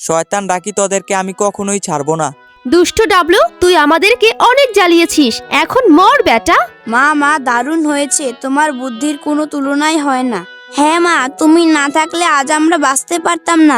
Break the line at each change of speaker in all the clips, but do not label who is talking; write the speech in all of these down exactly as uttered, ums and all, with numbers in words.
শয়তান ডাকি তোদেরকে আমি কখনোই ছাড়বো না।
দুষ্টু ডাবলু, তুই আমাদেরকে অনেক জ্বালিয়েছিস, এখন মর বেটা।
মা মা দারুণ হয়েছে, তোমার বুদ্ধির কোনো তুলনাই হয় না। হ্যাঁ মা, তুমি না থাকলে আজ আমরা বাঁচতে পারতাম না।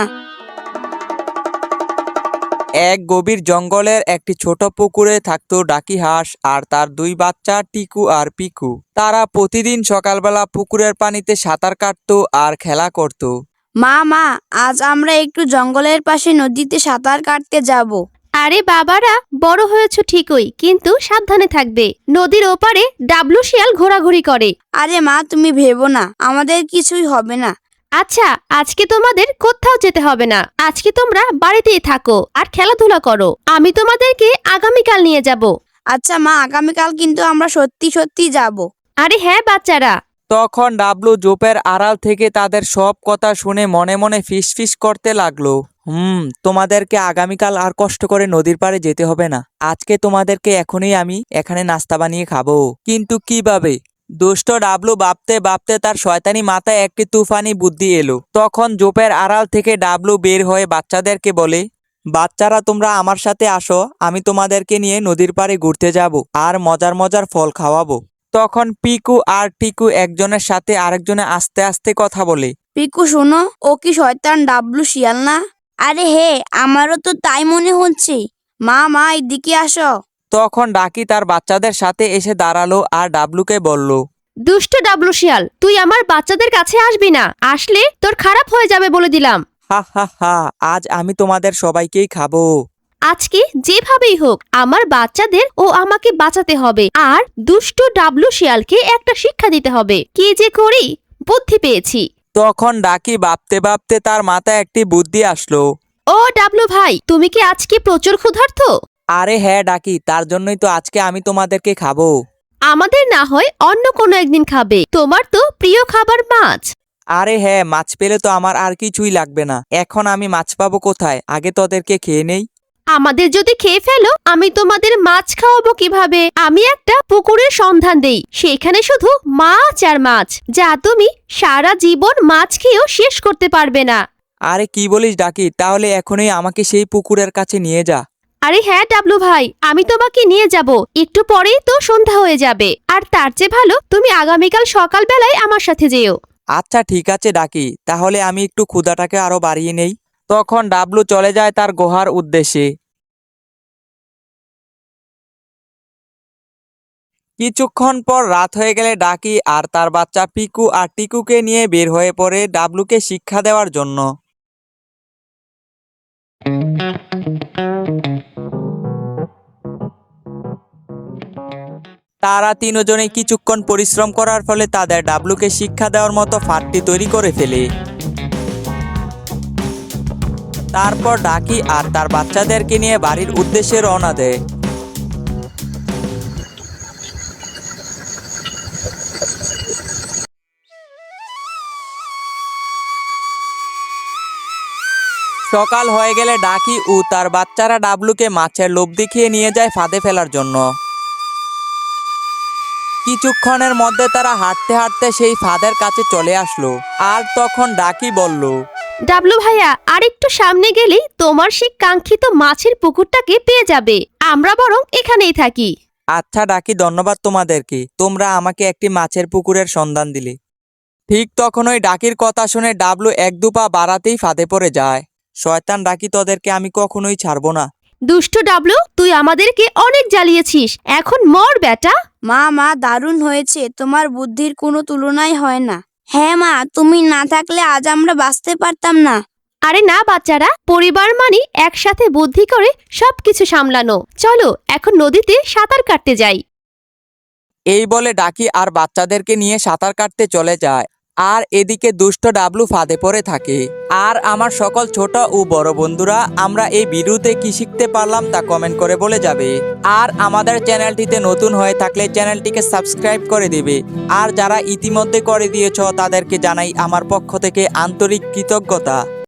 এক গভীর জঙ্গলের একটি ছোট পুকুরে থাকতো ডাকি হাঁস আর তার দুই বাচ্চা টিকু আর পিকু। তারা প্রতিদিন সকালবেলা পুকুরের পানিতে সাঁতার কাটতো আর খেলা করত।
মা মা, আজ আমরা একটু জঙ্গলের পাশে নদীতে সাঁতার কাটতে যাব।
আরে বাবারা, বড় হয়েছ ঠিকই, কিন্তু সাবধানে থাকবে। নদীর ওপারে ডাবলু শিয়াল ঘোরাঘুরি করে।
আরে মা, তুমি ভেবো না, আমাদের কিছুই হবে না।
আচ্ছা, আজকে তোমাদের কোথাও যেতে হবে না। আজকে তোমরা বাড়িতেই থাকো আর খেলাধুলা করো। আমি তোমাদেরকে আগামীকাল নিয়ে যাব।
আচ্ছা মা, আগামীকাল কিন্তু আমরা সত্যি সত্যি যাব।
আরে হ্যাঁ বাচ্চারা।
তখন ডাবলু জোপের আড়াল থেকে তাদের সব কথা শুনে মনে মনে ফিস ফিস করতে লাগলো। হুম তোমাদেরকে আগামীকাল আর কষ্ট করে নদীর পাড়ে যেতে হবে না। আজকে তোমাদেরকে এখনই আমি এখানে নাস্তা বানিয়ে খাবো। কিন্তু কিভাবে? দুষ্ট ডাবলু ভাবতে ভাবতে তার শয়তানি মাথায় একটি তুফানি বুদ্ধি এলো। তখন জোপের আড়াল থেকে ডাবলু বের হয়ে বাচ্চাদেরকে বলে, বাচ্চারা তোমরা আমার সাথে আসো, আমি তোমাদেরকে নিয়ে নদীর পাড়ে ঘুরতে যাব আর মজার মজার ফল খাওয়াবো। তখন পিকু আর টিকু একজনের সাথে আরেকজনে আস্তে আস্তে কথা বলে।
পিকু শোনো, ও কি শয়তান ডাবলু শিয়াল না? আরে হে, আমারও তো তাই মনে হচ্ছে। মা মা, এদিকে আসো।
তখন ডাকি তার বাচ্চাদের সাথে এসে দাঁড়ালো আর ডাবলুকে বলল,
দুষ্ট ডাবলু শিয়াল, তুই আমার বাচ্চাদের কাছে আসবি না। আসলে তোর খারাপ হয়ে যাবে বলে দিলাম।
হা হা হা, আজ আমি তোমাদের সবাইকেই খাবো।
আজকে যেভাবেই হোক আমার বাচ্চাদের ও আমাকে বাঁচাতে হবে, আর দুষ্ট ডাবলু শিয়ালকে একটা শিক্ষা দিতে হবে। কি যে করি, বুদ্ধি পেয়েছি।
তখন ডাকি ভাবতে ভাবতে তার মাথায় একটি বুদ্ধি আসলো।
ও ডাবলু ভাই, তুমি কি আজকে প্রচুর ক্ষুধার্ত?
আরে হ্যাঁ ডাকি, তার জন্যই তো আজকে আমি তোমাদেরকে খাবো।
আমাদের না হয় অন্য কোনো একদিন খাবে, তোমার তো প্রিয় খাবার মাছ।
আরে হ্যাঁ, মাছ পেলে তো আমার আর কিছুই লাগবে না। এখন আমি মাছ পাবো কোথায়? আগে তোদেরকে খেয়ে নেই।
আমাদের যদি খেয়ে ফেলো, আমি তোমাদের মাছ খাওয়াবো কিভাবে? আমি একটা পুকুরের সন্ধান দেই, সেখানে শুধু মাছ আর মাছ, যা তুমি সারা জীবন মাছ খেয়েও শেষ করতে পারবে না।
আরে কি বলিস ডাকি, তাহলে এখনই আমাকে সেই পুকুরের কাছে নিয়ে যা।
আরে হ্যাঁ ডাবলু ভাই, আমি তোমাকে নিয়ে যাব। একটু পরেই তো সন্ধ্যা হয়ে যাবে, আর তার চেয়ে ভালো তুমি আগামীকাল সকাল বেলায় আমার সাথে যেও।
আচ্ছা ঠিক আছে ডাকি, তাহলে আমি একটু ক্ষুধাটাকে আরো বাড়িয়ে নেই। তখন ডাবলু চলে যায় তার গুহার উদ্দেশ্যে। কিছুক্ষণ পর রাত হয়ে গেলে ডাকি আর তার বাচ্চা পিকু আর টিকুকে নিয়ে বের হয়ে পড়ে ডাবলুকে শিক্ষা দেওয়ার জন্য। তারা তিনজনে কিছুক্ষণ পরিশ্রম করার ফলে তাদের ডাবলুকে শিক্ষা দেওয়ার মতো ফাঁদটি তৈরি করে ফেলে। তারপর ডাকি আর তার বাচ্চাদেরকে নিয়ে বাড়ির উদ্দেশ্যে রওনা দেয়। সকাল হয়ে গেলে ডাকি ও তার বাচ্চারা ডাবলুকে মাছের লোভ দেখিয়ে নিয়ে যায় ফাঁদে ফেলার জন্য। কিছুক্ষণের মধ্যে তারা হাঁটতে হাঁটতে সেই ফাঁদের কাছে চলে আসলো। আর তখন ডাকি বলল,
ডাবলু ভাইয়া, আর একটু সামনে গেলেই তোমার সেই কাঙ্ক্ষিত মাছের পুকুরটাকে পেয়ে যাবে। আমরা বরং এখানেই থাকি।
আচ্ছা ডাকি, ধন্যবাদ তোমাদেরকে, তোমরা আমাকে একটি মাছের পুকুরের সন্ধান দিলে। ঠিক তখনই ডাকির কথা শুনে ডাবলু এক দু পা বাড়াতেই ফাঁদে পড়ে যায়। শয়তান ডাকি, তোদেরকে আমি কখনোই ছাড়বো না।
দুষ্ট ডাবলু, তুই আমাদেরকে অনেক জ্বালিয়েছিস, এখন মর বেটা।
মা মা, দারুণ হয়েছে, তোমার বুদ্ধির কোনো তুলনাই হয় না। হ্যাঁ মা, তুমি না থাকলে আজ আমরা বাঁচতে পারতাম না।
আরে না বাচ্চারা, পরিবার মানে একসাথে বুদ্ধি করে সবকিছু সামলানো। চলো এখন নদীতে সাঁতার কাটতে যাই।
এই বলে ডাকি আর বাচ্চাদেরকে নিয়ে সাঁতার কাটতে চলে যায়। আর এদিকে দুষ্ট ডাবলু ফাঁদে পড়ে থাকে। আর আমার সকল ছোট ও বড় বন্ধুরা, আমরা এই ভিডিওতে কি শিখতে পারলাম তা কমেন্ট করে বলে যাবে। আর আমাদের চ্যানেলটিতে নতুন হয়ে থাকলে চ্যানেলটিকে সাবস্ক্রাইব করে দিবে। আর যারা ইতিমধ্যে করে দিয়েছ তাদেরকে জানাই আমার পক্ষ থেকে আন্তরিক কৃতজ্ঞতা।